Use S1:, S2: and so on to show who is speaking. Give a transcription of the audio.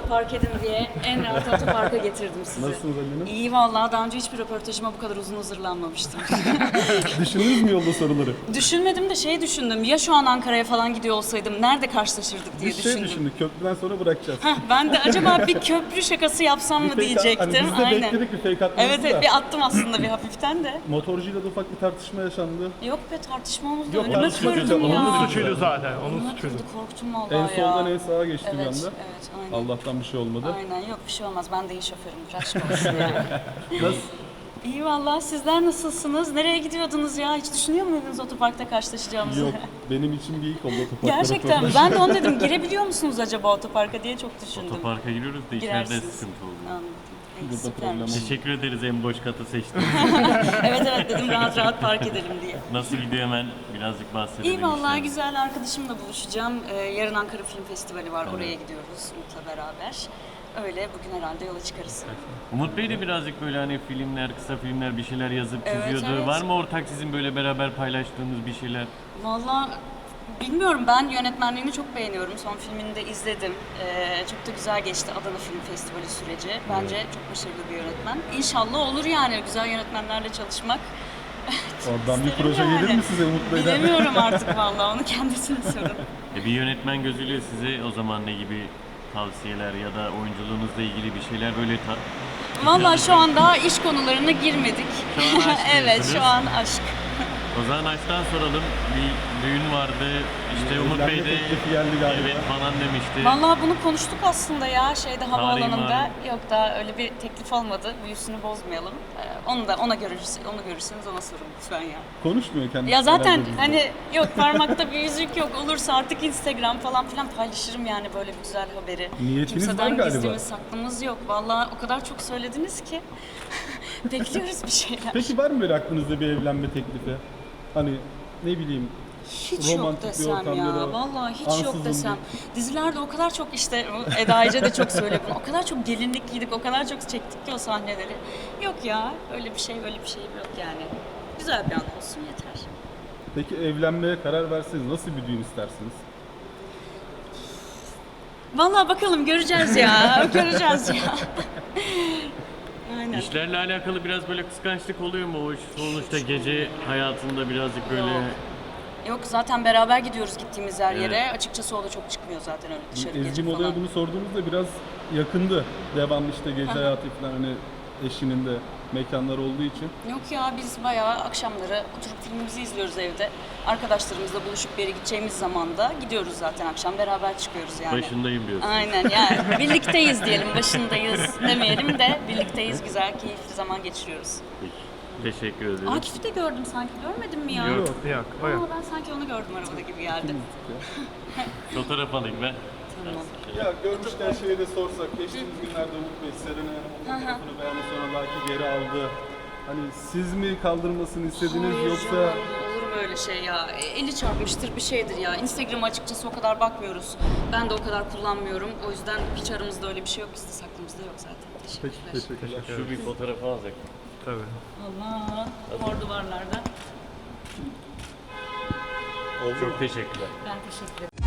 S1: park edin diye en rahat otoparka getirdim sizi.
S2: Nasılsınız Ali'nin?
S1: İyi vallahi, daha önce hiçbir röportajıma bu kadar uzun hazırlanmamıştım.
S2: Düşündünüz mü yolda soruları?
S1: Düşünmedim de şey düşündüm, ya şu an Ankara'ya falan gidiyor olsaydım nerede karşılaşırdık diye
S2: Biz
S1: düşündüm.
S2: düşündük, köprüden sonra bırakacağız.
S1: Heh, ben de acaba bir köprü şakası yapsam mı
S2: Fake
S1: diyecektim.
S2: hani biz de bekledik bir fake atmanızı
S1: Evet,
S2: da.
S1: bir attım aslında bir hafiften de.
S2: Motorcuyla da ufak bir tartışma yaşandı.
S1: Yok be, tartışma oldu.
S2: Yok,
S1: Önüme kırdım ya.
S3: Onun suçuydu zaten. Onun
S1: Önüme
S3: suçuydu.
S1: kırdı, korktum vallahi
S2: En
S1: ya.
S2: soldan en sağa geçti bir
S1: Evet,
S2: anda.
S1: evet, aynen.
S2: Allah'tan bir şey olmadı.
S1: Aynen, yok bir şey olmaz. Ben de iyi şoförümdür, aşk olsun yani.
S2: Nasıl?
S1: İyi vallahi, sizler nasılsınız? Nereye gidiyordunuz ya? Hiç düşünüyor muydunuz otoparkta karşılaşacağımızı?
S2: Yok, benim için bir ilk oldu otoparkta.
S1: Gerçekten mi? Ben de onu dedim, girebiliyor musunuz acaba otoparka diye çok düşündüm.
S4: Otoparka giriyoruz da içeride
S1: Girersiniz.
S4: sıkıntı oldu.
S1: Anladım. İyi,
S2: Burada
S1: süpermiş.
S2: problem oldu.
S4: Teşekkür ederiz en boş katı seçtiğiniz.
S1: Evet evet, dedim rahat rahat park edelim diye.
S4: Nasıl gidiyor hemen birazcık bahsedelim.
S1: İyi vallahi,
S4: işte.
S1: güzel, arkadaşımla buluşacağım. Yarın Ankara Film Festivali var, oraya gidiyoruz Umut'la beraber. Öyle, bugün herhalde yola çıkarız.
S4: Umut Bey de birazcık böyle hani filmler, kısa filmler bir şeyler yazıp
S1: Evet,
S4: çiziyordu.
S1: evet.
S4: Var mı ortak sizin böyle beraber paylaştığınız bir şeyler?
S1: Vallahi bilmiyorum, ben yönetmenliğini çok beğeniyorum. Son filmini de izledim. Çok da güzel geçti Adana Film Festivali süreci. Bence çok başarılı bir yönetmen. İnşallah olur yani, güzel yönetmenlerle çalışmak.
S2: Oradan bir
S1: İsterim
S2: proje gelir mi size Umut Bey'den?
S1: Bilemiyorum artık vallahi, onu kendisine sorun.
S4: Bir yönetmen gözüyle size o zaman ne gibi tavsiyeler ya da oyunculuğunuzla ilgili bir şeyler böyle
S1: Vallahi şu an daha iş konularına girmedik.
S4: Şu an aşk
S1: Evet,
S4: diyorsunuz.
S1: şu an aşk.
S4: O zaman açtan soralım. Bir düğün vardı. İşte Umut
S2: Evlenme
S4: Bey de
S2: teklifi geldi galiba.
S4: evet falan demişti.
S1: Vallahi bunu konuştuk aslında ya, şeyde, havaalanında.
S4: malum.
S1: Yok, daha öyle bir teklif olmadı. Büyüsünü bozmayalım. Onu da onu görürseniz ona sorun lütfen ya.
S2: Konuşmuyor kendisi.
S1: Ya zaten
S2: herhalde bizde.
S1: hani yok, parmakta bir yüzük yok, olursa artık Instagram falan filan paylaşırım yani böyle bir güzel haberi.
S2: Niyetiniz var
S1: Kimseden
S2: galiba.
S1: gizlimiz saklımız yok. Vallahi o kadar çok söylediniz ki bekliyoruz bir şeyler.
S2: Peki var mı böyle aklınızda bir evlenme teklifi? Hani ne bileyim,
S1: Hiç yok
S2: romantik bir
S1: desem
S2: ortam
S1: ya.
S2: ya da
S1: Vallahi hiç
S2: ansızın
S1: yok desem.
S2: bir-
S1: Dizilerde o kadar çok, işte Eda Ece de çok söylüyor bunu. O kadar çok gelinlik giydik, o kadar çok çektik ki o sahneleri. Yok ya, öyle bir şey yok yani. Güzel bir an olsun yeter.
S2: Peki evlenmeye karar verseniz nasıl bir düğün istersiniz?
S1: Vallahi bakalım, göreceğiz ya. Göreceğiz ya. Aynen.
S4: İşlerle alakalı biraz böyle kıskançlık oluyor mu? O sonuçta gece hayatında birazcık böyle...
S1: Yok. Yok, zaten beraber gidiyoruz gittiğimiz her yere.
S4: Evet.
S1: Açıkçası o da çok çıkmıyor zaten öyle dışarı
S2: Ezgi
S1: gece
S2: Mola'ya
S1: falan.
S2: bunu sorduğumuzda biraz yakındı. Devamlı işte gece hayatı falan, hani eşinin de mekanlar olduğu için.
S1: Yok ya, biz bayağı akşamları oturup filmimizi izliyoruz evde. Arkadaşlarımızla buluşup bir yere gideceğimiz zaman da gidiyoruz zaten, akşam beraber çıkıyoruz yani.
S4: Başındayım diyorsun.
S1: Aynen yani, birlikteyiz diyelim, başındayız demeyelim de birlikteyiz, güzel, keyifli zaman geçiriyoruz.
S4: Peki. Teşekkür ederim.
S1: Akif'i de gördüm sanki, görmedin mi ya?
S3: Yok, yok. O yok.
S1: Aa, ben sanki onu gördüm arabada gibi geldi.
S4: Fotoğraf alayım ben.
S1: Tamam.
S2: Ya görmüşken şeyi de sorsak, geçtiğimiz günlerde Umut Bey Serenay Hanım'ın fotoğrafını beğendi, sonra Laki geri aldı. Hani siz mi kaldırmasını istediniz
S1: Hayır
S2: yoksa...
S1: canım, olur mu öyle şey ya? Eli çarpmıştır, bir şeydir ya. Instagram'a açıkçası o kadar bakmıyoruz. Ben de o kadar kullanmıyorum. O yüzden hiç aramızda öyle bir şey yok. Gizli saklımızda yok zaten.
S2: Peki,
S1: Teşekkürler.
S2: teşekkürler.
S4: Şu bir fotoğrafı alacak.
S3: Tabii.
S1: Allah, mor duvarlarda.
S4: Çok teşekkürler.
S1: Ben teşekkür ederim.